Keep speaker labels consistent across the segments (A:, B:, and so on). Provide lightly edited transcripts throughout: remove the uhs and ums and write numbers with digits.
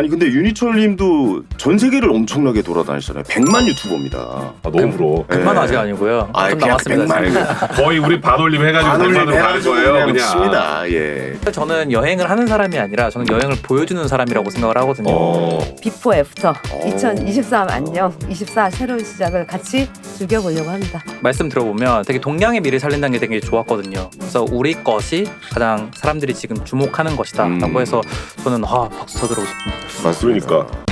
A: 아니 근데 윤희철님도 전 세계를 엄청나게 돌아다니시잖아요. 100만 유튜버입니다.
B: 아, 너무 부러워.
C: 100만 아직 아니고요.
A: 아,
C: 좀
A: 그냥
C: 남았습니다.
A: 100만.
B: 거의 우리 반올림 해가지고 100만으로 가는 거예요. 그냥.
A: 칩니다. 예.
C: 저는 여행을 하는 사람이 아니라 저는 여행을 보여주는 사람이라고 생각을 하거든요.
D: 비포 애프터 2023 안녕 24 새로운 시작을 같이 즐겨보려고 합니다.
C: 말씀 들어보면 되게 동양의 미를 살린다는 게 되게 좋았거든요. 그래서 우리 것이 가장 사람들이 지금 주목하는 것이다 라고 해서 저는 박수 쳐들어오고 싶습니다.
A: 맞습니다.
B: 그러니까.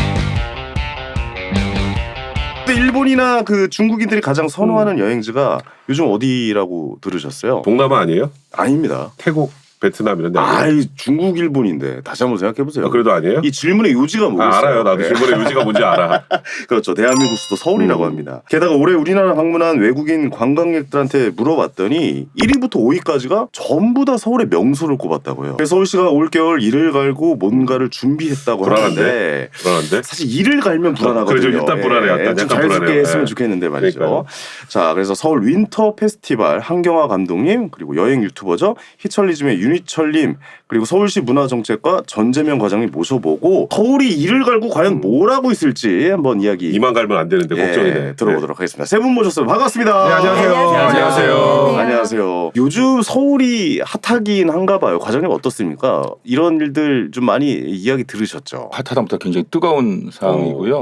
A: 근데 일본이나 그 중국인들이 가장 선호하는 여행지가 요즘 어디라고 들으셨어요?
B: 동남아 아니에요?
A: 아닙니다.
B: 태국, 베트남 이런 데 아니에요?
A: 아이 중국 일본인데 다시 한번 생각해보세요.
B: 아, 그래도 아니에요?
A: 이 질문의 요지가 뭐겠어요?
B: 알아요. 나도
A: 예.
B: 질문의 요지가 뭔지 알아.
A: 그렇죠. 대한민국 수도 서울이라고 합니다. 게다가 올해 우리나라 방문한 외국인 관광객들한테 물어봤더니 1위부터 5위까지가 전부 다 서울의 명소를 꼽았다고요. 그래서 서울시가 올겨울 이를 갈고 뭔가를 준비했다고 하는데
B: 불안한데?
A: 사실 이를 갈면 불안하거든요.
B: 그렇죠. 일단 불안해요. 일단
A: 좀
B: 약간
A: 자연스럽게
B: 불안해요.
A: 했으면
B: 예.
A: 좋겠는데 말이죠.
B: 그러니까요.
A: 자, 그래서 서울 윈터 페스티벌 한경화 감독님 그리고 여행 유튜버죠. 히철리즘의 윤희철님 그리고 서울시 문화정책과 전재명 과장님 모셔보고 서울이 이를 갈고 과연 뭘 하고 있을지 한번 이야기
B: 이만 갈면 안 되는데 걱정이네.
A: 들어보도록 하겠습니다. 세 분 모셨어요. 반갑습니다.
B: 네, 안녕하세요.
D: 안녕하세요.
A: 안녕하세요. 요즘 서울이 핫하긴 한가 봐요. 과장님 어떻습니까? 이런 일들 좀 많이 이야기 들으셨죠?
E: 핫하다부터 굉장히 뜨거운 상황이고요.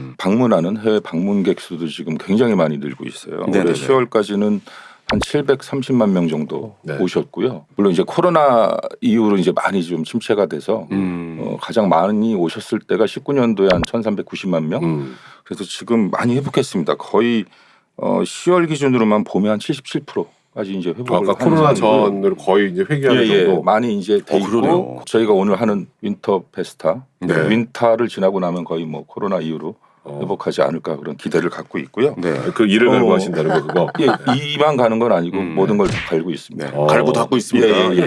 E: 방문하는 해외 방문객 수도 지금 굉장히 많이 늘고 있어요.
A: 네네네.
E: 올해 10월까지는 한 730만 명 정도
B: 네.
E: 오셨고요. 물론 이제 코로나 이후로 이제 많이 좀 침체가 돼서 가장 많이 오셨을 때가 19년도에 한 1,390만 명. 그래서 지금 많이 회복했습니다. 거의 10월 기준으로만 보면 한 77%까지 이제 회복을
B: 아까
E: 하는
B: 코로나
E: 상황이고요.
B: 전으로 거의 이제 회귀하는 정도.
E: 많이 이제 돼
A: 그러네요.
E: 있고 저희가 오늘 하는 윈터 페스타
A: 네.
E: 윈터를 지나고 나면 거의 뭐 코로나 이후로 회복하지 않을까 그런 기대를 갖고 있고요.
A: 네.
B: 그 일을 갈고 하신다는 거 그거.
E: 예, 이만 가는 건 아니고 모든 걸 다 갈고 있습니다.
A: 네. 갈고 닦고 있습니다.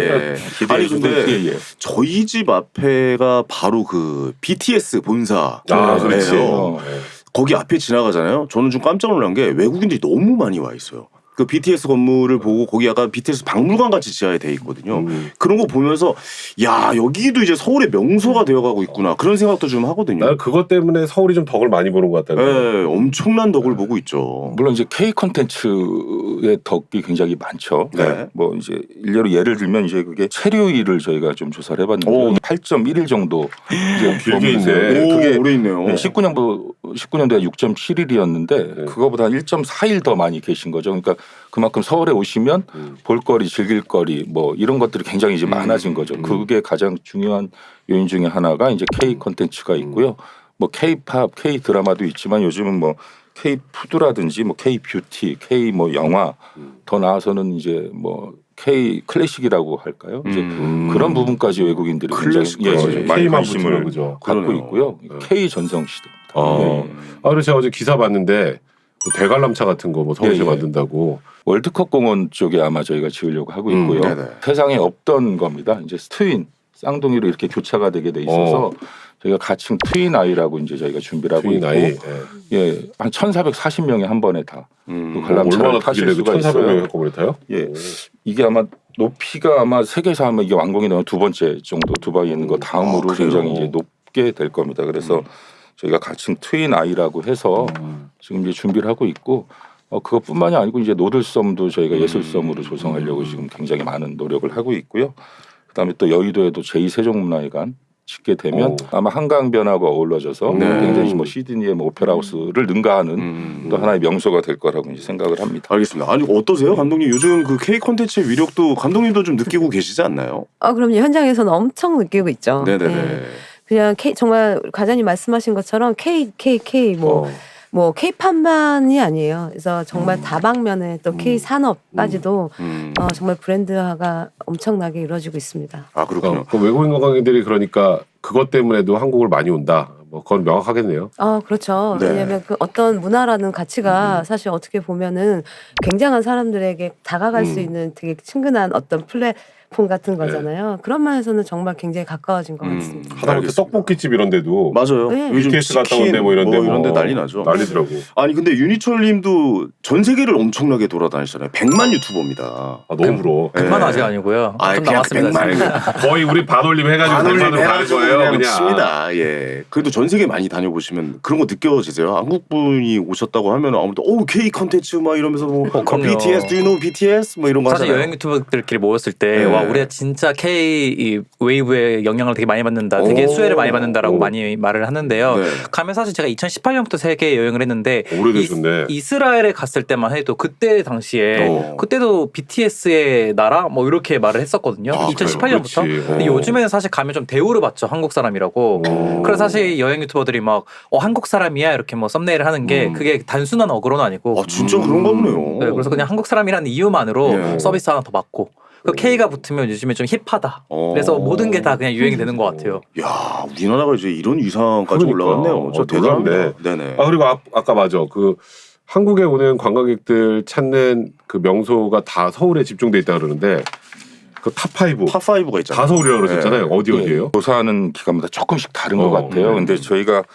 E: 기대해
A: 아니 근데
E: 주세요.
A: 저희 집 앞에가 바로 그 BTS 본사.
B: 아, 그렇지.
A: 예요. 거기 앞에 지나가잖아요. 저는 좀 깜짝 놀란 게 외국인들이 너무 많이 와 있어요. 그 BTS 건물을 보고 거기 약간 BTS 박물관 같이 지하에 돼 있거든요. 그런 거 보면서 야 여기도 이제 서울의 명소가 되어가고 있구나 그런 생각도 좀 하거든요.
B: 나는 그것 때문에 서울이 좀 덕을 많이 보는 것 같다는.
A: 네, 엄청난 덕을 보고 있죠.
E: 물론 이제 K 콘텐츠의 덕이 굉장히 많죠.
A: 네.
E: 뭐 이제 일례로 예를 들면 이제 그게 체류일을 저희가 좀 조사를 해봤는데 8.1일 정도 이제
B: 길게 있네.
A: 오,
E: 그게
A: 오래 있네요.
E: 19년도에 6.7일이었는데 그거보다 1.4일 더 많이 계신 거죠. 그러니까 그만큼 서울에 오시면 볼거리, 즐길거리 뭐 이런 것들이 굉장히 이제 많아진 거죠. 그게 가장 중요한 요인 중에 하나가 이제 K 콘텐츠가 있고요. 뭐 K-팝, K 드라마도 있지만 요즘은 뭐 K 푸드라든지 뭐 K 뷰티, K 뭐 영화 더 나아서는 이제 뭐 K 클래식이라고 할까요? 이제 그런 부분까지 외국인들이 굉장히 많이
B: K만
E: 관심을
B: 붙이는 거죠.
E: 갖고
A: 그러네요.
E: 있고요. K 전성 시대.
B: 그래서 제가 어제 기사 봤는데 뭐 대관람차 같은 거 뭐 서울시
E: 예, 예.
B: 만든다고.
E: 월드컵 공원 쪽에 아마 저희가 지으려고 하고 있고요.
A: 네네.
E: 세상에 없던 겁니다. 이제 트윈 쌍둥이로 이렇게 교차가 되게 돼 있어서 저희가 가칭 트윈 아이라고 이제 저희가 준비를 하고
B: 트윈
E: 있고,
B: 아이.
E: 예, 한 1,440명이 한 번에 다 그 관람차를
B: 얼마나
E: 타실
B: 크길래
E: 수가
B: 1,400명이
E: 있어요.
B: 한꺼번에 타요?
E: 예, 이게 아마 높이가 아마 세계에서 아마 이게 완공이 되면 두 번째 정도 두바이에 있는 거 다음으로
A: 그래요?
E: 굉장히 이제 높게 될 겁니다. 그래서 저희가 가칭 트윈 아이라고 해서 지금 이제 준비를 하고 있고. 그것뿐만이 아니고 이제 노들섬도 저희가 예술섬으로 조성하려고 지금 굉장히 많은 노력을 하고 있고요. 그다음에 또 여의도에도 제2세종문화회관 짓게 되면 아마 한강변하고 어우러져서 굉장히 뭐 시드니의 뭐 오페라하우스를 능가하는 또 하나의 명소가 될 거라고 이제 생각을 합니다.
A: 알겠습니다. 아니 어떠세요, 감독님? 요즘 그 K 콘텐츠의 위력도 감독님도 좀 느끼고 계시지 않나요?
D: 그럼요. 현장에서는 엄청 느끼고 있죠.
A: 네네네.
D: 네. 그냥 정말 과장님 말씀하신 것처럼 K 뭐 K-팝만이 아니에요. 그래서 정말 다방면에 또 K 산업까지도 정말 브랜드화가 엄청나게 이루어지고 있습니다.
A: 아 그렇군요.
B: 그 외국인 관광객들이 그러니까 그것 때문에도 한국을 많이 온다. 뭐 그건 명확하겠네요.
D: 그렇죠.
A: 네.
D: 왜냐하면 그 어떤 문화라는 가치가 사실 어떻게 보면은 굉장한 사람들에게 다가갈 수 있는 되게 친근한 어떤 스마트폰 같은 거잖아요. 그런 면에서는 정말 굉장히 가까워진 것 같습니다.
B: 하다못해
A: 알겠습니다.
B: 떡볶이집 이런 데도
A: 맞아요.
D: 네.
A: 요즘
B: BTS 갔다
A: 치킨
B: 온데 뭐 이런 데
A: 이런데 난리 나죠.
B: 난리더라고.
A: 아니 근데 윤희철님도 전 세계를 엄청나게 돌아다니시잖아요. 100만 유튜버입니다.
B: 아, 너무 부러워.
A: 네.
C: 100만 아직 아니고요.
A: 아,
C: 좀
A: 그냥
C: 남았습니다.
A: 100만.
C: 지금.
B: 거의 우리 반올림 해가지고 100만으로 가는 거예요.
A: 그냥
B: 그냥.
A: 칩니다. 예. 그래도 전 세계 많이 다녀보시면 그런 거 느껴지세요? 한국 분이 오셨다고 하면 아무래도 K 컨텐츠 막 이러면서 뭐
C: 그럼요.
A: BTS, do you know BTS 뭐 이런 거
C: 사실
A: 하잖아요.
C: 여행 유튜버들끼리 모였을 때
A: 네.
C: 와 우리가 진짜 K 이 웨이브의 영향을 되게 많이 받는다, 되게
A: 오.
C: 수혜를 많이 받는다라고
B: 오.
C: 많이 말을 하는데요.
A: 네.
C: 가면 사실 제가 2018년부터 세계 여행을 했는데
B: 오래되셨네.
C: 이스라엘에 갔을 때만 해도 그때 당시에 그때도 BTS의 나라 뭐 이렇게 말을 했었거든요.
A: 아,
C: 2018년부터.
B: 그렇지.
C: 근데 요즘에는 사실 가면 좀 대우를 받죠, 한국 사람이라고. 그래서 사실 여행 유튜버들이 막 한국 사람이야 이렇게 뭐 썸네일을 하는 게 그게 단순한 어그로는 아니고.
A: 아 진짜 그런가 보네요.
C: 네, 그래서 그냥 한국 사람이라는 이유만으로
A: 예.
C: 서비스 하나 더 받고 그 K가 붙으면 요즘에 좀 힙하다. 그래서 모든 게 다 그냥 유행이 되는 것 같아요.
A: 야 우리나라가 이제 이런 위상까지
B: 그러니까.
A: 올라갔네요. 저 대단합니다. 네네.
B: 아 그리고 아까 맞아. 그 한국에 오는 관광객들 찾는 그 명소가 다 서울에 집중돼 있다 그러는데 그 탑5
A: 탑5가 있잖아요.
B: 다 서울이라고 그러셨잖아요.
A: 네.
B: 어디예요?
E: 조사하는 기관마다 조금씩 다른 것 같아요. 근데 저희가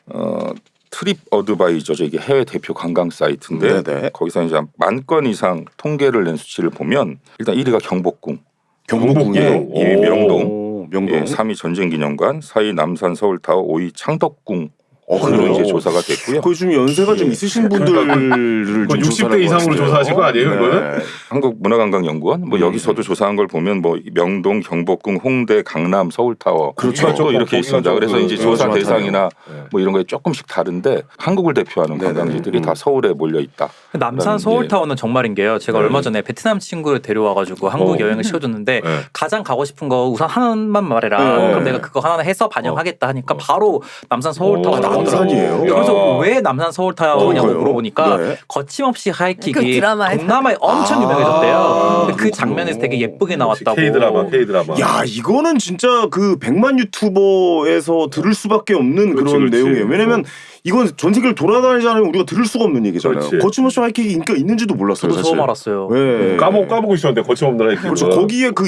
E: 트립 어드바이저 이게 해외 대표 관광 사이트인데
A: 네네.
E: 거기서 이제 10,000건 이상 통계를 낸 수치를 보면 일단 1위가 경복궁,
A: 경복궁이요.
E: 예, 2위 명동,
A: 오, 명동.
E: 예, 3위 전쟁기념관, 4위 남산 서울타워, 5위 창덕궁.
A: 그래요?
E: 으로 이제 조사가 됐고요.
A: 그 좀 연세가 좀 있으신 분들을 좀
B: 60대
A: 조사를
B: 이상으로
A: 해봤어요.
B: 조사하신 거 아니에요, 이거는?
E: 한국문화관광연구원 뭐 여기서도 조사한 걸 보면 뭐 명동, 경복궁, 홍대, 강남, 서울타워
A: 그렇죠.
E: 또 이렇게 있습니다. 그래서 이제 조사
A: 많다네요.
E: 대상이나 뭐 이런 거에 조금씩 다른데 한국을 대표하는
A: 네네.
E: 관광지들이 다 서울에 몰려 있다.
C: 남산 서울타워는 정말인 게요. 제가 얼마 전에 베트남 친구를 데려와가지고 한국 여행을 시켜줬는데
B: 네.
C: 가장 가고 싶은 거 우선 하나만 말해라.
A: 네.
C: 그럼 내가 그거 하나 해서 반영하겠다 하니까 바로 남산 서울타워
B: 오,
C: 나오더라고요.
A: 남산이에요?
C: 그래서
B: 야.
C: 왜 남산 서울타워냐고
A: 그래요?
C: 물어보니까
A: 네.
C: 거침없이
D: 그
C: 하이킥이
D: 드라마에서.
C: 동남아에 엄청 유명해졌대요. 근데 그
A: 그렇구나.
C: 장면에서 되게 예쁘게 나왔다고.
B: K-드라마.
A: 야 이거는 진짜 그 100만 유튜버에서 들을 수밖에 없는
B: 그렇지,
A: 그런
B: 그렇지.
A: 내용이에요. 왜냐면 이건 전 세계를 돌아다니지 않으면 우리가 들을 수가 없는 얘기잖아요.
B: 그렇지.
A: 거침없이 하이킥이 인기가 있는지도 몰랐어요.
C: 저도 처음 알았어요.
A: 네.
B: 까먹고 있었는데 거침없는 하이킥.
A: 그렇죠. 거기에 그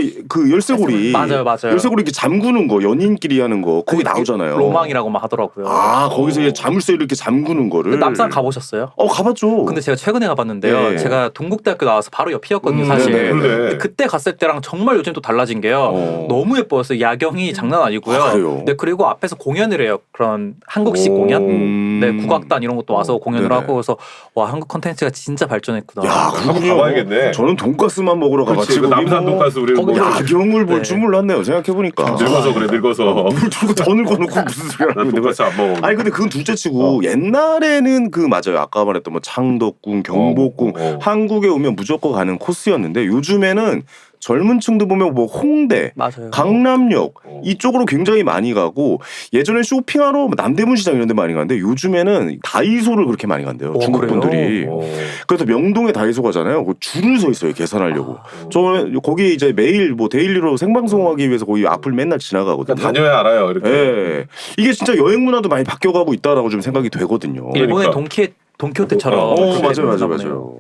A: 열쇠고리
C: 맞아요.
A: 열쇠고리 이렇게 잠그는 거 연인끼리 하는 거 거기 나오잖아요.
C: 로망이라고만 하더라고요.
A: 아 거기서 이제 자물쇠 이렇게 잠그는 거를.
C: 남산 가보셨어요?
A: 가봤죠.
C: 근데 제가 최근에 가봤는데요.
A: 네.
C: 제가 동국대학교 나와서 바로 옆이었거든요, 사실.
A: 네네.
B: 그러네.
C: 그때 갔을 때랑 정말 요즘 또 달라진 게요. 너무 예뻐요. 야경이 장난 아니고요.
A: 아, 그래요?
C: 네, 그리고 앞에서 공연을 해요. 그런 한국식 공연. 네, 국악단 이런 것도 와서 공연을
A: 네네.
C: 하고 그래서 와 한국 콘텐츠가 진짜 발전했구나.
A: 야
B: 한번
A: 그렇군요.
B: 가봐야겠네.
A: 저는 돈가스만 먹으러
B: 그렇지.
A: 가봤지.
B: 그 남산 돈가스 우리
C: 거기
B: 뭐
A: 야경을 볼
C: 네.
A: 줄 몰랐네요. 생각해 보니까.
B: 늙어서 그래 늙어서.
A: 물 들고 더 늙어놓고 무슨 소리
B: 난
A: 하는 거야.
B: 돈가스 안 먹어.
A: 아니 근데 그건 둘째치고 옛날에는 그 맞아요. 아까 말했던 뭐 창덕궁, 경복궁 한국에 오면 무조건 가는 코스였는데 요즘에는 젊은 층도 보면 뭐 홍대,
C: 맞아요.
A: 강남역 이쪽으로 굉장히 많이 가고 예전에 쇼핑하러 뭐 남대문 시장 이런 데 많이 가는데 요즘에는 다이소를 그렇게 많이 간대요. 중국
C: 그래요?
A: 분들이. 그래서 명동에 다이소 가잖아요. 그 줄을 서 있어요. 계산하려고. 저는 거기 이제 매일 뭐 데일리로 생방송하기 위해서 거기 앞을 맨날 지나가거든요.
B: 그러니까 다녀야 알아요 이렇게.
A: 예. 이게 진짜 여행 문화도 많이 바뀌어가고 있다라고 좀 생각이 되거든요.
C: 일본의
B: 그러니까.
C: 돈키호테처럼. 그렇게
A: 맞아요.
C: 됐나 보네요.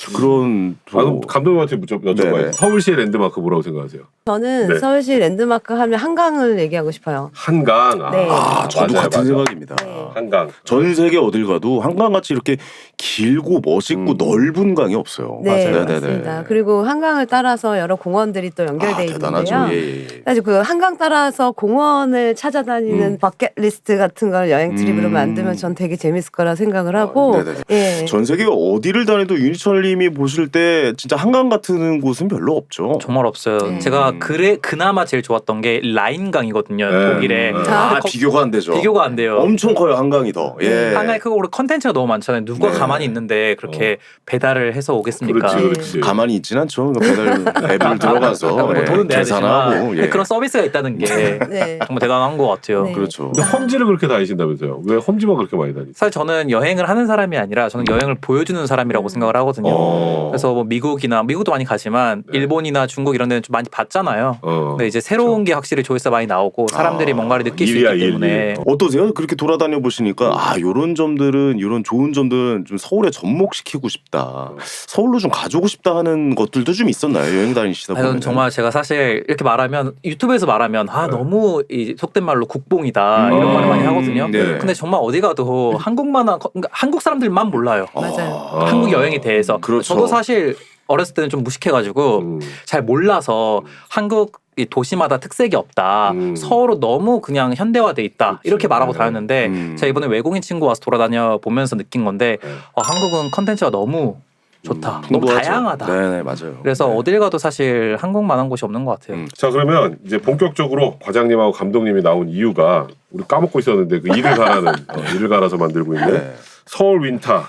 A: 그런
B: 그럼 감독님한테 여쭤봐요.
A: 네네.
B: 서울시의 랜드마크 뭐라고 생각하세요?
D: 저는
B: 네.
D: 서울시 랜드마크 하면 한강을 얘기하고 싶어요.
B: 한강.
D: 네.
A: 저도
B: 맞아요,
A: 같은
B: 맞아요.
A: 생각입니다.
D: 네.
B: 한강.
A: 전 세계 어딜 가도 한강같이 이렇게 길고 멋있고 넓은 강이 없어요.
D: 네,
A: 맞아요.
D: 맞습니다. 그리고 한강을 따라서 여러 공원들이 또 연결돼
A: 대단하죠.
D: 있는데요.
A: 예.
D: 사실 그 한강 따라서 공원을 찾아다니는 버킷리스트 같은 걸 여행 트립으로 만들면 전 되게 재밌을 거라 생각을 하고
A: 네네네.
D: 예.
A: 전 세계 어디를 다녀도 윤희철님이 보실 때 진짜 한강 같은 곳은 별로 없죠.
C: 정말 없어요.
D: 네.
C: 제가 그나마 제일 좋았던 게 라인강이거든요.
B: 네.
C: 독일에.
A: 비교가 안 되죠.
C: 비교가 안 돼요.
A: 엄청 커요 한강이 더. 예.
C: 한강이 크고 우리 컨텐츠가 너무 많잖아요. 누가
A: 네.
C: 가만히 있는데 그렇게 배달을 해서 오겠습니까?
B: 그렇지, 그렇지.
A: 가만히 있진 않죠. 배달 앱을 들어가서
C: 뭐
A: 예,
C: 돈은 내야
A: 계산하고
C: 되지만
A: 예.
C: 그런 서비스가 있다는 게
D: 네.
C: 정말 대단한 것 같아요.
D: 네.
A: 그렇죠.
B: 근데 험지를 그렇게 다니신다면서요? 왜 험지만 그렇게 많이 다니세요?
C: 사실 저는 여행을 하는 사람이 사람이 아니라 저는 여행을 보여주는 사람이라고 생각을 하거든요. 그래서 뭐 미국도 많이 가지만 일본이나 중국 이런 데는 좀 많이 봤잖아요. 근데 이제 새로운 게 확실히 조회수가 많이 나오고 사람들이 뭔가를 느낄 수 있기 때문에
A: 어떠세요? 그렇게 돌아다녀 보시니까 요런 점들은 이런 좋은 점들은 좀 서울에 접목시키고 싶다. 서울로 좀 가져오고 싶다 하는 것들도 좀 있었나요? 여행 다니시다 보면.
C: 저는 정말 제가 사실 이렇게 말하면 유튜브에서 말하면 너무 이 속된 말로 국뽕이다 이런 말을 많이 하거든요.
A: 네.
C: 근데 정말 어디 가도 그러니까 한국 사람들만 몰라요.
D: 맞아요.
C: 한국 여행에 대해서.
A: 그렇죠.
C: 저도 사실 어렸을 때는 좀 무식해가지고 잘 몰라서 한국 이 도시마다 특색이 없다. 서울은 너무 그냥 현대화돼 있다. 이렇게 말하고 다녔는데 제가 이번에 외국인 친구 와서 돌아다녀 보면서 느낀 건데 한국은 컨텐츠가 너무 좋다. 너무
A: 풍부하죠.
C: 다양하다.
A: 네네 맞아요.
C: 그래서 어딜 가도 사실 한국만한 곳이 없는 것 같아요.
B: 자 그러면 이제 본격적으로 과장님하고 감독님이 나온 이유가 우리 까먹고 있었는데 그 일을 가라는 일을 갈아서 만들고 있는
A: 네.
B: 서울 윈터.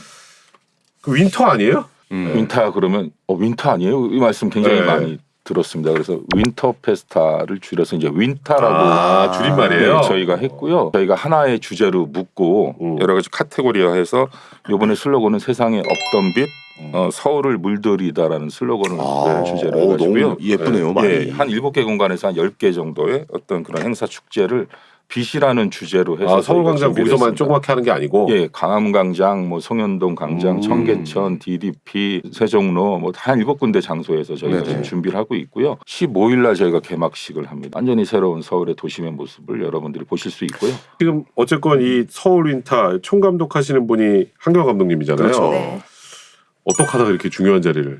B: 그 윈터 아니에요?
E: 윈터 그러면 윈터 아니에요? 이 말씀 굉장히
B: 네.
E: 많이 들었습니다. 그래서 윈터 페스타를 줄여서 이제 윈터라고
B: 줄임말이에요.
E: 네, 저희가 했고요. 저희가 하나의 주제로 묶고 여러 가지 카테고리화해서 이번에 슬로건은 세상에 없던 빛 서울을 물들이다라는 슬로건을 주제로 해가지고요.
A: 너무 예쁘네요. 많이.
E: 예, 한 7개 공간에서 한 10개 정도의 어떤 그런 행사 축제를 빛이라는 주제로 해서
B: 서울광장
E: 준비를
B: 거기서만
E: 했습니다.
B: 조그맣게 하는 게 아니고
E: 예, 강암광장, 뭐 송현동 광장, 청계천, DDP, 세종로 뭐 한 7군데 장소에서 저희가
A: 네네.
E: 지금 준비를 하고 있고요. 15일 날 저희가 개막식을 합니다. 완전히 새로운 서울의 도심의 모습을 여러분들이 보실 수 있고요.
B: 지금 어쨌건 이 서울 윈터 총감독 하시는 분이 한경 감독님이잖아요.
A: 그렇죠.
D: 네.
B: 어떻게 하다가 이렇게 중요한 자리를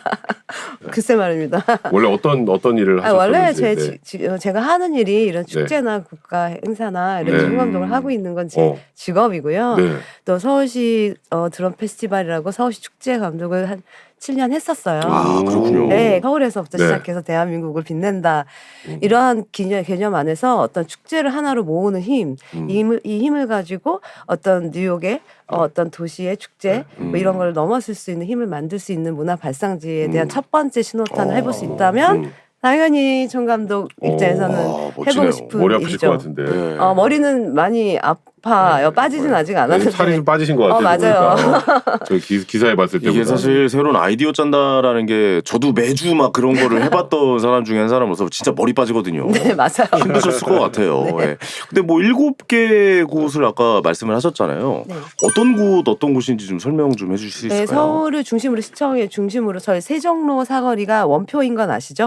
D: 글쎄 말입니다.
B: 원래 어떤 일을 하셨는지
D: 원래 제가 하는 일이 이런 축제나 국가 행사나 이런
B: 네.
D: 총감독을 하고 있는 건 제 직업이고요.
B: 네.
D: 또 서울시 드럼 페스티벌이라고 서울시 축제 감독을 한 7년 했었어요.
A: 그렇군요.
D: 네, 서울에서부터
B: 네.
D: 시작해서 대한민국을 빛낸다. 이러한 개념 안에서 어떤 축제를 하나로 모으는 힘, 이 힘을 가지고 어떤 뉴욕의 어떤 도시의 축제 뭐 이런 걸 넘어설 수 있는 힘을 만들 수 있는 문화 발상지에 대한 첫 번째 신호탄을 해볼 수 있다면 당연히 총감독 입장에서는
A: 멋지네요.
D: 해보고 싶은
B: 머리 아프실
D: 일이죠.
B: 것 같은데.
A: 네.
D: 머리는 많이 아파요. 빠지진 아직 않았는데.
B: 살이 좀 빠지신 것 같아요.
D: 맞아요.
B: 보니까. 저 기사에 봤을 때
A: 이게 사실 새로운 아이디어 짠다라는 게 저도 매주 막 그런 거를 해봤던 사람 중에 한 사람으로서 진짜 머리 빠지거든요.
D: 네, 맞아요.
A: 힘드셨을 것 같아요.
D: 네.
A: 예. 근데 뭐 7개 곳을 아까 말씀을 하셨잖아요.
D: 네.
A: 어떤 곳인지 좀 설명 좀 해주실 수
D: 네,
A: 있을까요?
D: 서울을 중심으로 시청의 중심으로 저희 세종로 사거리가 원표인 건 아시죠?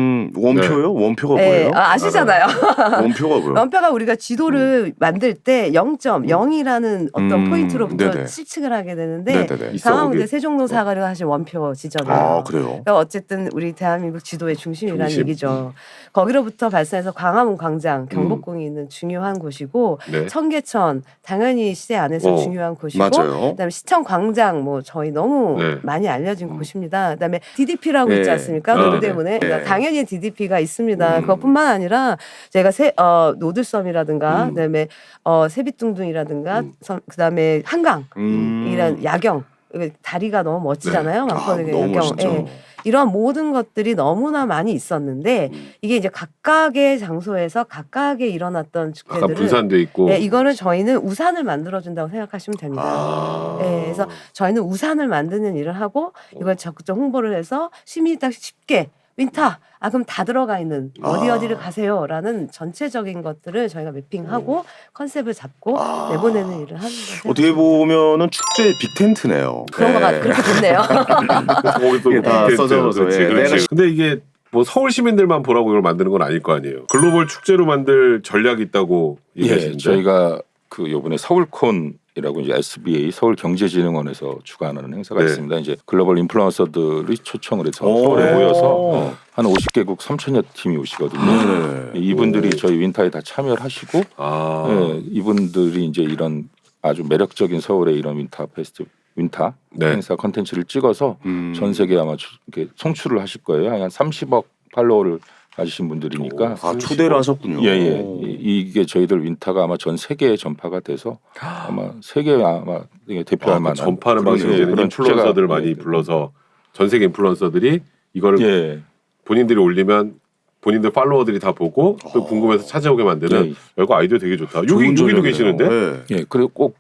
A: 원표요? 원표가
D: 네,
A: 뭐예요?
D: 아시잖아요.
A: 원표가 뭐예요?
D: 원표가 우리가 지도를 만들 때 0.0이라는 어떤 포인트로부터
A: 네네.
D: 실측을 하게 되는데
A: 네네네.
D: 상황대 세종로 사거리가 사실 원표 지점이에요.
A: 그래요?
D: 그러니까 어쨌든 우리 대한민국 지도의 중심이라는
B: 중심.
D: 얘기죠. 거기로부터 발산해서 광화문 광장, 경복궁이 있는 중요한 곳이고
B: 네.
D: 청계천 당연히 시대 안에서 중요한 곳이고
A: 맞아요.
D: 그다음에 시청 광장 뭐 저희 너무
B: 네.
D: 많이 알려진 곳입니다. 그다음에 DDP라고 있지
A: 네.
D: 않습니까?
A: 네.
D: 동대문에
A: 네.
D: 당연히 DDP가 있습니다. 그것뿐만 아니라 제가 노들섬이라든가 그다음에 세빛둥둥이라든가 그다음에 한강이란 야경 다리가 너무 멋지잖아요. 왕권의
A: 너무
D: 야경.
A: 멋있죠.
D: 예. 이런 모든 것들이 너무나 많이 있었는데 이게 이제 각각의 장소에서 각각의 일어났던
B: 아까
D: 축제들을
B: 분산돼 있고
D: 이거는 저희는 우산을 만들어준다고 생각하시면 됩니다. 그래서 저희는 우산을 만드는 일을 하고 이걸 적극적 홍보를 해서 시민이 딱 쉽게 윈터 그럼 다 들어가 있는 어디를 가세요라는 전체적인 것들을 저희가 매핑하고 컨셉을 잡고 내보내는 일을 하는 거죠.
A: 어떻게 보면은 축제의 빅텐트네요.
D: 그런 거가 그렇게 됐네요.
B: 거기 또
A: 이게 다
B: 콘텐츠.
A: 써져서,
B: 그렇지,
A: 예.
B: 그렇지.
A: 내가-
B: 근데 이게 뭐 서울 시민들만 보라고 이걸 만드는 건 아닐 거 아니에요. 글로벌 축제로 만들 전략이 있다고
E: 예,
B: 얘기하시는데
E: 저희가 그 요번에 서울콘이라고 이제 SBA 서울경제진흥원에서 주관하는 행사가
B: 네.
E: 있습니다. 이제 글로벌 인플루언서들이 초청을 해서
A: 오.
E: 서울에 모여서 한 50개국 3,000여 팀이 오시거든요.
A: 네.
E: 이분들이 저희 윈터에 다 참여를 하시고 예, 이분들이 이제 이런 아주 매력적인 서울의 이런 윈터
B: 네.
E: 행사 컨텐츠를 찍어서 전 세계 아마 이렇게 송출을 하실 거예요. 한 30억 팔로워를 가지신 분들이니까
A: 초대를 하셨군요.
E: 예예 이게 저희들 윈터가 아마 전 세계에 전파가 돼서 아마 세계에 아마 대표할 만한
B: 전파하는
E: 그런,
B: 방식으로
E: 예, 그런
B: 인플루언서들
E: 축제가,
B: 많이
E: 예,
B: 불러서 전 세계 인플루언서들이 이거를
E: 예.
B: 본인들이 올리면 본인들 팔로워들이 다 보고 또 궁금해서 찾아오게 만드는
E: 예.
B: 이거 아이디어 되게 좋다.
A: 좋은
B: 여기도
A: 전략이네요.
B: 계시는데
A: 네.
E: 예, 그리고 꼭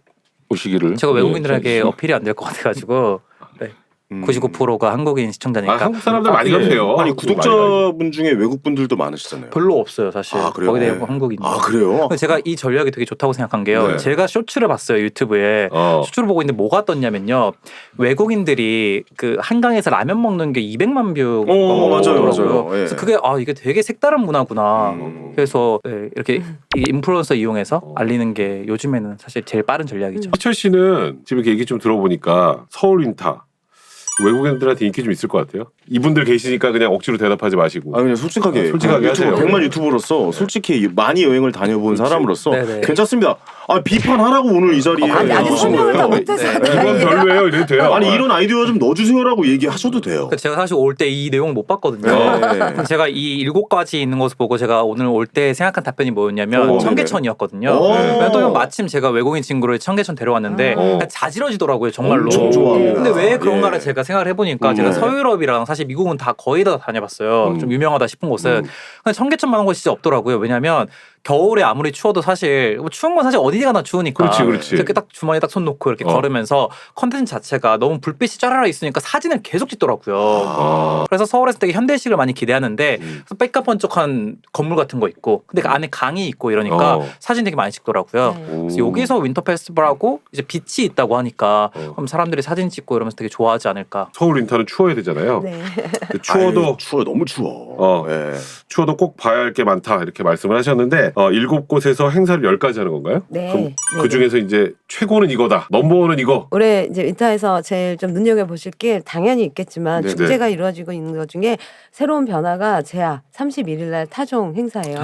E: 오시기를.
C: 제가 외국인들에게
E: 예,
C: 어필이 안 될 것 같아가지고 네. 99%가 한국인 시청자니까.
B: 한국 사람들 많이 가세요.
A: 아니
B: 한국
A: 구독자분 중에 외국 분들도 많으시잖아요.
C: 별로 없어요 사실.
A: 아, 그래요?
C: 거기에 대한
A: 네.
C: 한국인.
A: 아 그래요?
C: 근데 제가 이 전략이 되게 좋다고 생각한 게요.
B: 네.
C: 제가 쇼츠를 봤어요 유튜브에. 쇼츠를 보고 있는데 뭐가 떴냐면요. 외국인들이 그 한강에서 라면 먹는 게 200만 뷰.
A: 맞아요, 맞아요. 예.
C: 그래서 그게 이게 되게 색다른 문화구나. 그래서 네, 이렇게 이 인플루언서 이용해서 알리는 게 요즘에는 사실 제일 빠른 전략이죠.
B: 희철 씨는 지금 이렇게 얘기 좀 들어보니까 서울 윈타 외국인들한테 인기 좀 있을 것 같아요. 이분들 계시니까 그냥 억지로 대답하지 마시고.
A: 그냥 솔직하게
B: 하세요.
A: 100만 유튜버로서 솔직히 많이 여행을 다녀본 사람으로서
C: 네네.
A: 괜찮습니다. 비판하라고 오늘 이 자리에
D: 아니
A: 오신
D: 설명을 다
A: 거예요.
D: 못해서
B: 이건 별로예요. 이래도 돼요.
A: 아니 이런 아이디어 좀 넣어주세요라고 얘기하셔도 돼요.
C: 제가 사실 올 때 이 내용을 못 봤거든요.
A: 네.
C: 제가 이 7가지 있는 것을 보고 제가 오늘 올 때 생각한 답변이 뭐였냐면 청계천이었거든요.
A: 네네.
C: 또 마침 제가 외국인 친구를 청계천 데려왔는데 그냥 자지러지더라고요 정말로.
A: 엄청 좋아합니다.
C: 근데 왜 그런가를
A: 예.
C: 제가 생각을 해보니까 제가 서유럽이랑 사실 미국은 다 거의 다 다녀봤어요. 좀 유명하다 싶은 곳은. 근데 청계천만한 곳이 진짜 없더라고요. 왜냐하면 겨울에 아무리 추워도 사실 추운 건 사실 어디 가나 추우니까.
B: 그렇지.
C: 이렇게 딱 주머니에 딱 손 놓고 이렇게 걸으면서 컨텐츠 자체가 너무 불빛이 쫘라라 있으니까 사진을 계속 찍더라고요. 그래서 서울에서 되게 현대식을 많이 기대하는데 빽까번쩍한 건물 같은 거 있고 근데 그 안에 강이 있고 이러니까 사진 되게 많이 찍더라고요. 그래서 여기서 윈터 페스티벌하고 이제 빛이 있다고 하니까 그럼 사람들이 사진 찍고 이러면서 되게 좋아하지 않을까.
B: 서울 윈터는 추워야 되잖아요.
D: 네.
B: 근데 추워도
A: 너무 추워. 예.
B: 추워도 꼭 봐야 할 게 많다 이렇게 말씀을 하셨는데 7곳에서 행사를 10가지 하는 건가요?
D: 네.
B: 그럼
D: 네,
B: 그 중에서 이제 최고는 이거다. 넘버원은 이거.
D: 올해 이제 윈터에서 제일 좀 눈여겨 보실 게 당연히 있겠지만
A: 네네.
D: 축제가 이루어지고 있는 것 중에 새로운 변화가 제야 31일날 타종 행사예요.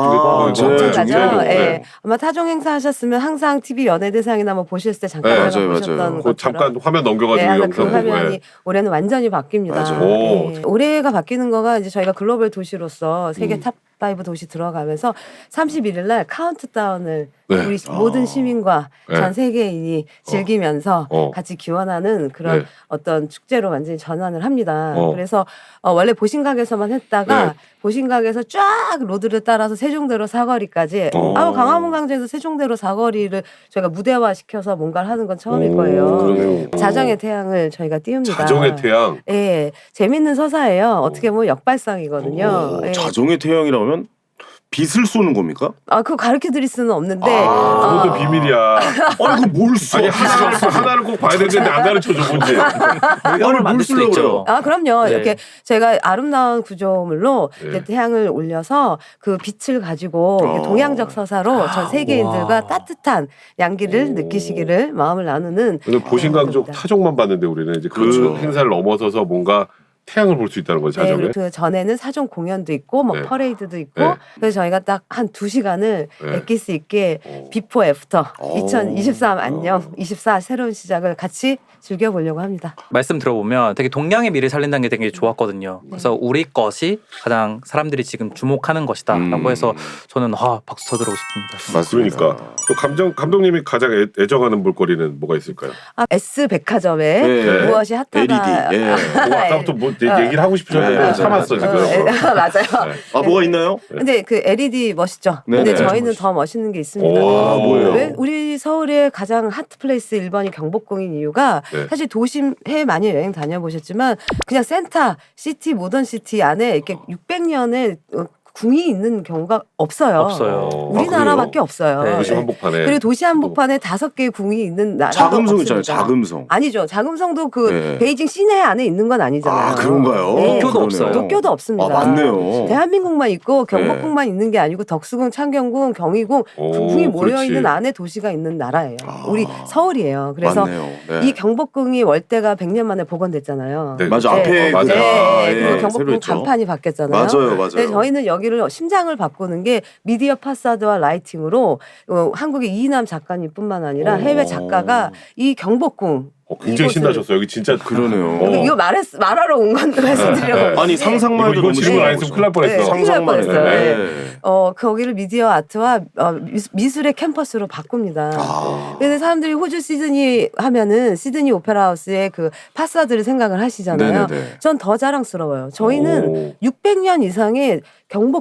A: 정말가죠?
D: 예. 아마 타종 행사 하셨으면 항상 TV 연예대상이나 뭐 보셨을 때 잠깐
B: 네,
A: 맞아요.
D: 보셨던
B: 그
D: 것처럼
B: 잠깐 화면 넘겨가지고
D: 네, 항상 그
B: 영상 보고.
D: 화면이 올해는 완전히 바뀝니다.
A: 맞아요.
D: 네. 올해가 바뀌는 거가 이제 저희가 글로벌 도시로서 세계 탑5 도시 들어가면서 31일 날 카운트다운을
B: 네.
D: 우리 모든 시민과
B: 네.
D: 전 세계인이 즐기면서 같이 기원하는 그런
B: 네.
D: 어떤 축제로 완전히 전환을 합니다.
B: 어.
D: 그래서 원래 보신각에서만 했다가
B: 네.
D: 보신각에서 쫙 로드를 따라서 세종대로 사거리까지 광화문 광장에서 세종대로 사거리를 저희가 무대화 시켜서 뭔가를 하는 건 처음일 거예요.
A: 그러네요.
D: 자정의 태양을 저희가 띄웁니다.
B: 자정의 태양.
D: 예, 재밌는 서사예요. 어떻게 보면 역발상이거든요. 예.
A: 자정의 태양이라면 빛을 쏘는 겁니까?
D: 그거 가르쳐 드릴 수는 없는데.
B: 그것도 비밀이야.
A: 아니 그뭘 써?
B: 아니 하나를 꼭 봐야 되는데 안 가르쳐줘 뭔지.
C: 이걸 만들 수도 있죠.
D: 그럼요.
C: 네.
D: 이렇게 제가 아름다운 구조물로
B: 네.
D: 이제 태양을 올려서 그 빛을 가지고 이렇게 동양적 서사로 전 세계인들과 따뜻한 양기를 느끼시기를 마음을 나누는.
B: 근데 보신강족
D: 겁니다.
B: 타종만 봤는데 우리는 이제 그
A: 그렇죠.
B: 행사를 넘어서서 뭔가 태양을 볼 수 있다는 거죠, 자정에.
D: 네, 그 전에는 사전 공연도 있고 뭐
B: 네.
D: 퍼레이드도 있고
B: 네.
D: 그래서 저희가 딱 한 2시간을
B: 네.
D: 엑기스 있게 비포 애프터 2023 안녕 24 새로운 시작을 같이 즐겨보려고 합니다.
C: 말씀 들어보면 되게 동양의 미를 살린다는 게 되게 좋았거든요. 그래서 우리 것이 가장 사람들이 지금 주목하는 것이다라고 해서 저는 박수 쳐드리고 싶습니다.
A: 맞습니다.
B: 그러니까 또 감독님이 가장 애정하는 볼거리는 뭐가 있을까요?
D: S 백화점에
A: 네.
D: 무엇이 핫하다.
A: LED. 예.
B: 아까부터 뭐 얘기를 하고 싶으셨는데
A: 네,
B: 참았어 지금.
D: 맞아요.
A: 뭐가 있나요?
D: 근데 그 LED 멋있죠.
A: 네네.
D: 근데 저희는 더 멋있는 게 있습니다.
A: 뭐예요?
D: 왜 우리 서울의 가장 핫플레이스 1번이 경복궁인 이유가
B: 네.
D: 사실 도심 해외 많이 여행 다녀보셨지만 그냥 센터 시티 모던 시티 안에 이렇게 600년의 궁이 있는 경우가 없어요. 우리나라밖에 없어요.
C: 네.
B: 도시 한복판에.
D: 그리고 도시 한복판에 5개의 궁이 있는 나라가
A: 자금성
D: 없습니다.
A: 있잖아요. 자금성.
D: 아니죠. 자금성도 그
A: 네.
D: 베이징 시내 안에 있는 건 아니잖아요.
A: 그런가요?
D: 네.
C: 도쿄도
A: 그러네요.
C: 없어요.
D: 도쿄도 없습니다.
A: 맞네요.
D: 대한민국만 있고 경복궁만 있는 게 아니고 덕수궁, 창경궁, 경희궁, 궁이 모여 있는 안에 도시가 있는 나라예요. 우리 서울이에요. 그래서
A: 맞네요. 네.
D: 이 경복궁이 월대가 100년 만에 복원됐잖아요.
B: 네.
A: 맞아. 앞에
B: 맞아요.
D: 네,
A: 예,
D: 그리고
A: 새로
D: 경복궁
A: 했죠.
D: 간판이 바뀌었잖아요.
A: 맞아요.
D: 근데 저희는 여기를 심장을 바꾸는 게 미디어 파사드와 라이팅으로 한국의 이인남 작가님뿐만 아니라 해외 작가가 이 경복궁
B: 굉장히
D: 이곳을-
B: 신나셨어요. 여기 진짜
A: 그러네요.
D: 이거 말하러 온 건데 말씀드리려고.
A: 아니 상상만 해도
B: 이거
A: 너무
B: 질문 안 했으면 큰일 날 뻔했어.
D: 네.
A: 상상만 해도.
D: 큰일 날 뻔했어요.
A: 네.
D: 거기를 미디어 아트와 미술의 캠퍼스로 바꿉니다. 근데 사람들이 호주 시드니 하면은 시드니 오페라 하우스의 그 파사드를 생각을 하시잖아요.
A: 네네네.
D: 전 더 자랑스러워요. 저희는 600년 이상의 경복궁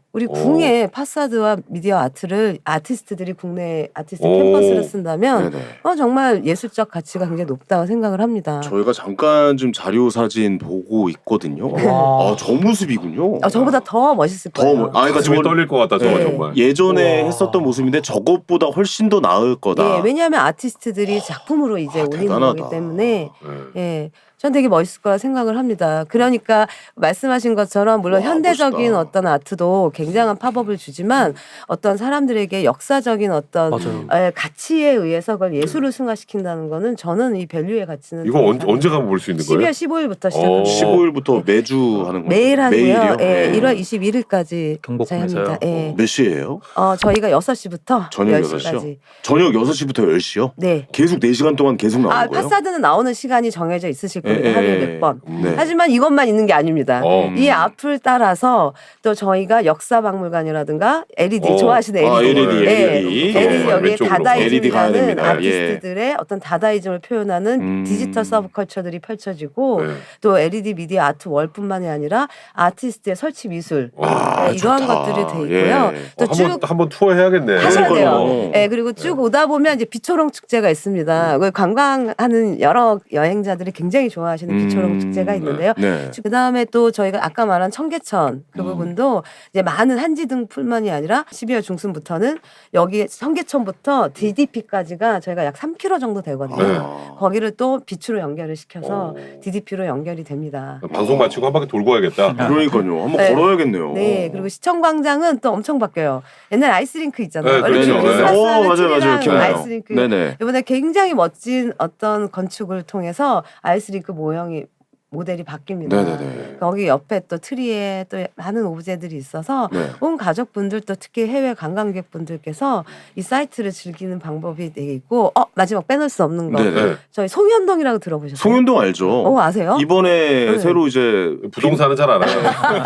D: 우리 궁의 파사드와 미디어 아트를 아티스트들이 국내 아티스트
B: 오.
D: 캠퍼스를 쓴다면
A: 네네.
D: 정말 예술적 가치가 굉장히 높다고 생각을 합니다.
A: 저희가 잠깐 좀 자료 사진 보고 있거든요.
C: 와.
A: 아, 저 모습이군요.
D: 저보다 더 멋있을
A: 더
D: 거예요.
A: 멋- 아, 그러니까
B: 가슴이
A: 저걸
B: 떨릴 것 같다 저거
D: 네.
B: 정말.
A: 예전에
C: 우와.
A: 했었던 모습인데 저것보다 훨씬 더 나을 거다.
D: 예, 왜냐하면 아티스트들이 작품으로 이제 올리는
A: 대단하다.
D: 거기 때문에
B: 네.
D: 예, 전 되게 멋있을 거라 생각을 합니다. 그러니까 말씀하신 것처럼 물론
A: 와,
D: 현대적인
A: 멋있다.
D: 어떤 아트도 굉장한 팝업을 주지만 어떤 사람들에게 역사적인 어떤
C: 맞아요.
D: 가치에 의해서 그걸 예술을 승화시킨다는 거는 저는 이 밸류의 가치는
B: 이거 언제 가면 볼 수 있는 거예요?
D: 12월 15일부터 시작합니다.
A: 15일부터 매주 하는 거예요.
D: 매일 하고요.
A: 매일이요?
D: 예,
A: 네.
D: 1월 21일까지
C: 경복궁에서요?
D: 합니다. 예.
A: 몇 시예요?
D: 저희가 6시부터
A: 저녁
D: 10시까지.
A: 6시요? 저녁 6시부터 10시요?
D: 네.
A: 계속 4시간 동안 계속 나오는 거예요?
D: 파사드는 나오는 시간이 정해져 있으실 겁니다. 하루에 몇 번.
A: 네.
D: 하지만 이것만 있는 게 아닙니다. 이 앞을 따라서 또 저희가 역사박물관이라든가 LED 좋아하시는 LED.
A: LED,
D: 네.
A: LED.
D: LED 여기에
B: 왼쪽으로.
A: LED 가야
D: 다다이즘이라는
A: 됩니다.
D: 아티스트들의 어떤 다다이즘을 표현하는 디지털 서브컬처들이 펼쳐지고
B: 네.
D: 또 LED 미디어 아트 월뿐만이 아니라 아티스트의 설치 미술 네, 이러한
A: 좋다.
D: 것들이 돼 있고요.
A: 예.
D: 또 쭉
B: 한번 투어 해야겠네.
D: 하셔야 돼요.
A: 그러니까요.
D: 네, 그리고 쭉 오다 보면 이제 비초롱 축제가 있습니다. 그 관광하는 여러 여행자들이 굉장히 좋아하시는 비초롱 축제가 있는데요.
A: 네.
D: 그 다음에 또 저희가 아까 말한 청계천 그 부분도 이제 많은 한지등뿐만이 아니라 12월 중순부터는 여기 청계천부터 DDP까지가 저희가 약 3km 정도 되거든요.
B: 네.
D: 거기를 또 빛으로 연결을 시켜서 DDP로 연결이 됩니다.
B: 방송 마치고 한 바퀴 돌고 와야겠다.
A: 그러니까요. 한번
D: 네.
A: 걸어야겠네요.
D: 네, 그리고 시청광장은 또 엄청 바뀌어요. 옛날 아이스링크 있잖아요.
B: 네, 그렇죠.
D: 원래
B: 네.
D: 크리스마스하면
A: 맞아요,
D: 트리랑
A: 맞아요. 기억나요.
D: 아이스링크.
A: 네네.
D: 이번에 굉장히 멋진 어떤 건축을 통해서 아이스링크 모형이 모델이 바뀝니다.
A: 네네네.
D: 거기 옆에 또 트리에 또 많은 오브제들이 있어서
A: 네.
D: 온 가족분들 또 특히 해외 관광객분들께서 이 사이트를 즐기는 방법이 되게 있고 마지막 빼놓을 수 없는 거
A: 네네.
D: 저희 송현동이라고 들어보셨어요?
A: 송현동 알죠?
D: 아세요?
A: 이번에
D: 네.
A: 새로 이제
B: 부동산은 잘 알아요.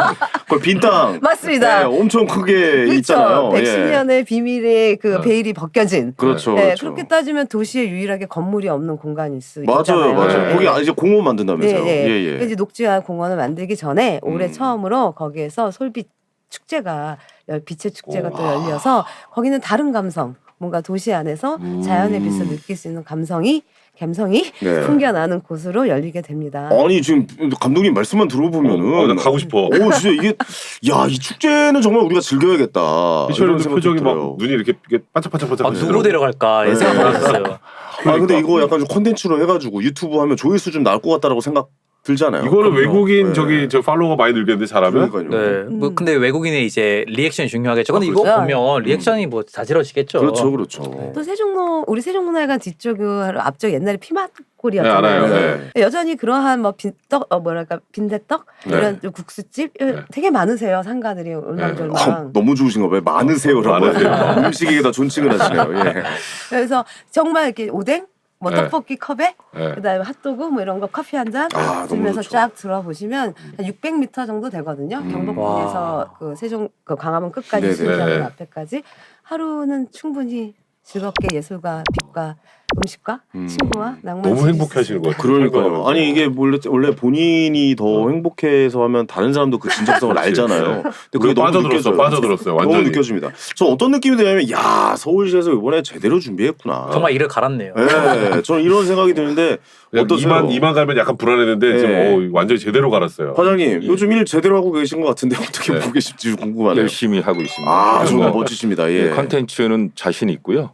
A: 빈 땅.
D: 맞습니다.
A: 네, 엄청 크게
D: 그렇죠.
A: 있잖아요.
D: 110년의 비밀의 그
B: 네.
D: 베일이 벗겨진.
A: 그렇죠.
D: 네,
A: 그렇죠.
D: 그렇게 따지면 도시에 유일하게 건물이 없는 공간일 수
A: 맞아요,
D: 있잖아요.
A: 맞아요.
B: 네.
A: 거기 이제 공원 만든다면서요.
D: 네, 네.
A: 예, 예.
D: 그래서 이제 녹지화 공원을 만들기 전에 올해
A: 음.
D: 처음으로 거기에서 솔빛 축제가 빛의 축제가 또
B: 우와.
D: 열려서 거기는 다른 감성, 뭔가 도시 안에서 자연의 빛을 느낄 수 있는 감성이
A: 네.
D: 풍겨나는 곳으로 열리게 됩니다.
A: 아니 지금 감독님 말씀만 들어보면은
B: 나 가고 싶어.
A: 진짜 이게 야 이 축제는 정말 우리가 즐겨야겠다.
B: 피처링도
A: 이런 생각이
B: 표정이
A: 들어요.
B: 막 눈이 이렇게 반짝반짝반짝.
C: 누구 데려갈까
A: 네.
C: 생각하고 있었어요.
A: 아 근데 이거 약간 좀 콘텐츠로 해가지고 유튜브 하면 조회수 좀 나올 것 같다라고 생각 들잖아요.
B: 이거는
A: 그럼요.
B: 외국인
A: 네.
B: 저 팔로워가 많이 늘겠는데 잘하면.
A: 그러니까요.
C: 네. 뭐 근데 외국인의 이제 리액션이 중요하겠죠. 근데 이거
D: 그렇죠.
C: 보면 리액션이 뭐 자지러지겠죠.
A: 그렇죠, 그렇죠.
D: 또 우리 세종문화회관 뒤쪽으로 앞쪽 옛날에
B: 네,
D: 피맛골이었잖아요.
B: 알아요.
A: 네.
D: 여전히 그러한 뭐 빈떡 빈대떡
A: 네.
D: 이런 국수집 되게 많으세요 상가들이 울망졸망.
A: 너무 좋으신가 봐요. 많으세요라고 하세요. 음식에 다 존칭을 하시네요. 예.
D: 그래서 정말 이렇게 오뎅, 뭐
B: 네.
D: 떡볶이 컵에
B: 네.
D: 그다음에 핫도그 뭐 이런 거 커피 한 잔
A: 아, 너무
D: 들면서
A: 좋죠.
D: 쫙 들어보시면 한 600m 정도 되거든요. 경복궁에서 그 세종 그 광화문 끝까지
A: 네네.
D: 수리장관
B: 네.
D: 앞에까지 하루는 충분히 즐겁게 예술과 빛과 음식과 친구와 낭만
B: 너무 행복해 하시는 것 같아요.
A: 그러니까요. 아니 이게 원래 본인이 더 행복해서 하면 다른 사람도 그 진정성을 알잖아요. 근데 그게 너무 느껴져요.
B: 빠져들었어요. 완전히.
A: 너무 느껴집니다. 저 어떤 느낌이 드냐면 야 서울시에서 이번에 제대로 준비했구나.
C: 정말 이를 갈았네요.
A: 네, 저는 이런 생각이 드는데 어떠세요?
B: 이만 갈면 약간 불안했는데
A: 네.
B: 지금 완전히 제대로 갈았어요.
A: 과장님 요즘 일 제대로 하고 계신 것 같은데 어떻게
B: 네.
A: 보고 계실지 궁금하네요.
E: 열심히 하고 있습니다.
A: 아 정말
B: 뭐,
A: 멋지십니다. 예.
E: 컨텐츠는 자신 있고요.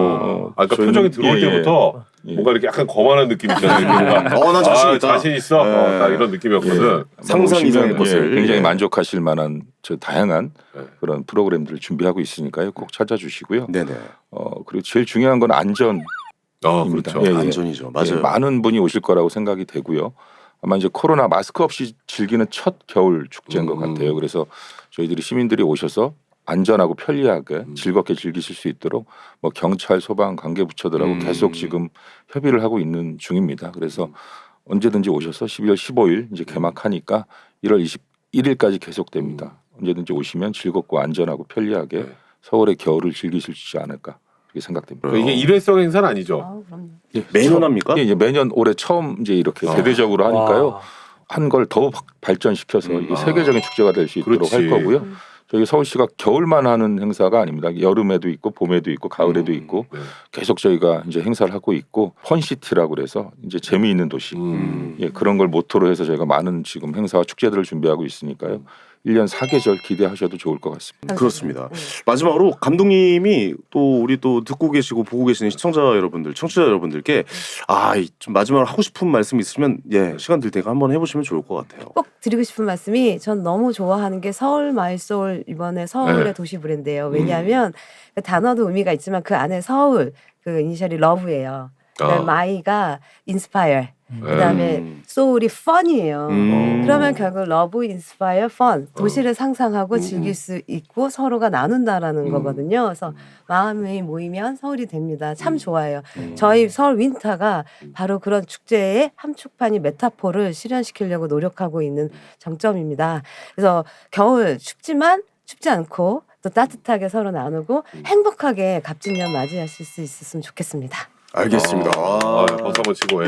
B: 아까
E: 저희는-
B: 표정이 들어올
E: 예, 예.
B: 때부터
E: 예.
B: 뭔가 이렇게 약간 거만한 느낌이 있잖아요.
A: 난 자신 있다.
B: 자신 있어.
A: 네.
B: 딱 이런 느낌이었거든.
A: 상상 이상의
E: 오시면,
A: 것을.
E: 굉장히
A: 예.
E: 만족하실 만한 저 다양한
B: 네.
E: 그런 프로그램들을 준비하고 있으니까요. 꼭 찾아주시고요.
A: 네네.
E: 그리고 제일 중요한 건 안전입니다.
B: 그렇죠.
E: 예, 예.
A: 안전이죠. 맞아요.
E: 예, 많은 분이 오실 거라고 생각이 되고요. 아마 이제 코로나 마스크 없이 즐기는 첫 겨울 축제인 것 같아요. 그래서 저희들이 시민들이 오셔서 안전하고 편리하게 즐겁게 즐기실 수 있도록 뭐 경찰, 소방, 관계부처들하고 계속 지금 협의를 하고 있는 중입니다. 그래서 언제든지 오셔서 12월 15일 이제 개막하니까 1월 21일까지 계속됩니다. 언제든지 오시면 즐겁고 안전하고 편리하게 서울의 겨울을 즐기실 수 있지 않을까 그렇게 생각됩니다.
B: 그러니까 이게 일회성 행사는 아니죠.
D: 아우, 그럼요.
A: 매년 합니까?
E: 예, 이제 매년 올해 처음 이제 이렇게 대대적으로 하니까요.
C: 와.
E: 한 걸 더 발전시켜서 이게 세계적인 축제가 될 수 있도록
B: 그렇지.
E: 할 거고요. 저희 서울시가 겨울만 하는 행사가 아닙니다. 여름에도 있고 봄에도 있고 가을에도 있고
B: 네.
E: 계속 저희가 이제 행사를 하고 있고 펀시티라고 그래서 이제 재미있는 도시 예, 그런 걸 모토로 해서 저희가 많은 지금 행사와 축제들을 준비하고 있으니까요. 1년 4계절 기대하셔도 좋을 것 같습니다.
A: 그렇습니다. 마지막으로 감독님이 또 우리 또 듣고 계시고 보고 계시는 시청자 여러분들, 청취자 여러분들께 좀 마지막으로 하고 싶은 말씀 있으면 시간 될 테니까 한번 해보시면 좋을 것 같아요.
D: 꼭 드리고 싶은 말씀이 전 너무 좋아하는 게 서울 마이소울 이번에 서울의
B: 네.
D: 도시 브랜드예요. 왜냐하면 그 단어도 의미가 있지만 그 안에 서울 그 이니셜이 러브예요. 그다음에 마이가 인스파이어. 그다음에 소울이 펀이에요. 그러면 결국 러브, 인스파이어, 펀 도시를 상상하고 즐길 수 있고 서로가 나눈다라는 거거든요. 그래서 마음이 모이면 서울이 됩니다. 참 좋아요. 저희 서울 윈터가 바로 그런 축제의 함축판이 메타포를 실현시키려고 노력하고 있는 정점입니다. 그래서 겨울 춥지만 춥지 않고 또 따뜻하게 서로 나누고 행복하게 갑진년 맞이하실 수 있었으면 좋겠습니다.
A: 알겠습니다.
B: 박수 한번 치고. 예.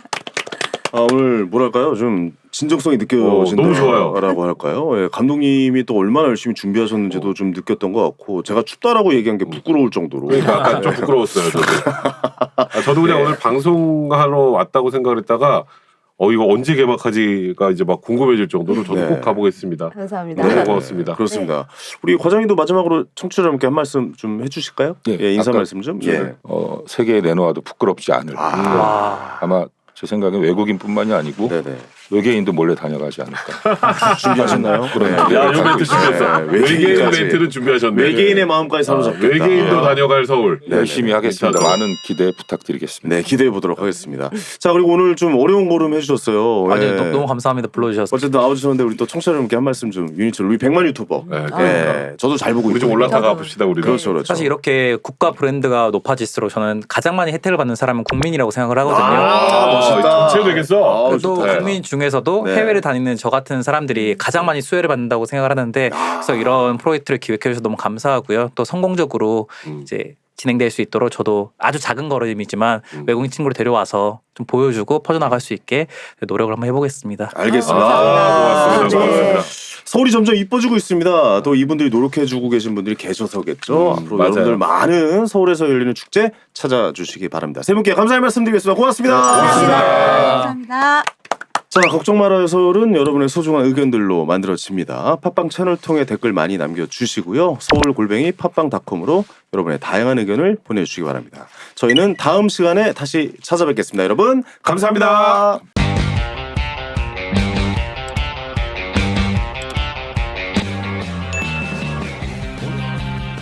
A: 오늘 뭐랄까요 좀 진정성이 느껴진다라고
B: 너무 좋아요.
A: 할까요? 예, 감독님이 또 얼마나 열심히 준비하셨는지도 좀 느꼈던 것 같고 제가 춥다라고 얘기한 게 부끄러울 정도로
B: 그러니까 약간 좀 부끄러웠어요. 저도 그냥 오늘 방송하러 왔다고 생각을 했다가 이거 언제 개막하지가 이제 막 궁금해질 정도로 저도 꼭 가보겠습니다.
D: 감사합니다.
B: 너무 고맙습니다.
A: 그렇습니다. 우리 과장님도 마지막으로 청취자 여러분께 한 말씀 좀 해주실까요? 인사
E: 아까
A: 말씀 좀.
E: 세계에 내놓아도 부끄럽지 않을 아마 제 생각엔 외국인뿐만이 아니고
A: 네네.
E: 외계인도 몰래 다녀가지 않을까.
A: 준비하셨나요?
B: 야, 이 멘트 준비했어. 외계인 멘트는 준비하셨네.
A: 외계인의 마음까지 사로잡겠다.
B: 외계인도 다녀갈 서울.
E: 열심히 하겠습니다.
B: 괜찮죠?
E: 많은 기대 부탁드리겠습니다.
A: 네, 기대해 보도록 하겠습니다. 자, 그리고 오늘 좀 어려운 걸음 해주셨어요.
C: 아니
A: 예.
C: 너무 감사합니다. 불러주셔서.
A: 어쨌든 나와주셨는데 우리 또 청취자 여러분께 한 말씀 좀 유니처럼 우리 100만 유튜버.
B: 네,
A: 예, 저도 잘 보고
B: 우리 좀
A: 있거든요.
B: 올라타가 봅시다 우리도.
A: 그렇죠, 그렇죠.
C: 사실 이렇게 국가 브랜드가 높아질수록 저는 가장 많이 혜택을 받는 사람은 국민이라고 생각을 하거든요.
A: 멋있다.
B: 정체 되겠어.
C: 그래도
A: 좋다.
C: 국민 중에서도
A: 네.
C: 해외를 다니는 저 같은 사람들이 가장 많이 수혜를 받는다고 생각을 하는데 그래서 이런 프로젝트를 기획해 주셔서 너무 감사하고요. 또 성공적으로 이제 진행될 수 있도록 저도 아주 작은 걸음이지만 외국인 친구를 데려와서 좀 보여주고 퍼져나갈 수 있게 노력을 한번 해보겠습니다.
A: 알겠습니다.
B: 고맙습니다. 고맙습니다.
A: 서울이 점점 이뻐지고 있습니다. 또 이분들이 노력해주고 계신 분들이 계셔서겠죠. 앞으로
B: 맞아요.
A: 여러분들 많은 서울에서 열리는 축제 찾아주시기 바랍니다. 세 분께 감사의 말씀드리겠습니다. 고맙습니다.
D: 감사합니다.
A: 자, 걱정 말아요 서울은 여러분의 소중한 의견들로 만들어집니다. 팟빵 채널 통해 댓글 많이 남겨주시고요. 서울@팟빵.com으로 여러분의 다양한 의견을 보내주시기 바랍니다. 저희는 다음 시간에 다시 찾아뵙겠습니다. 여러분 감사합니다.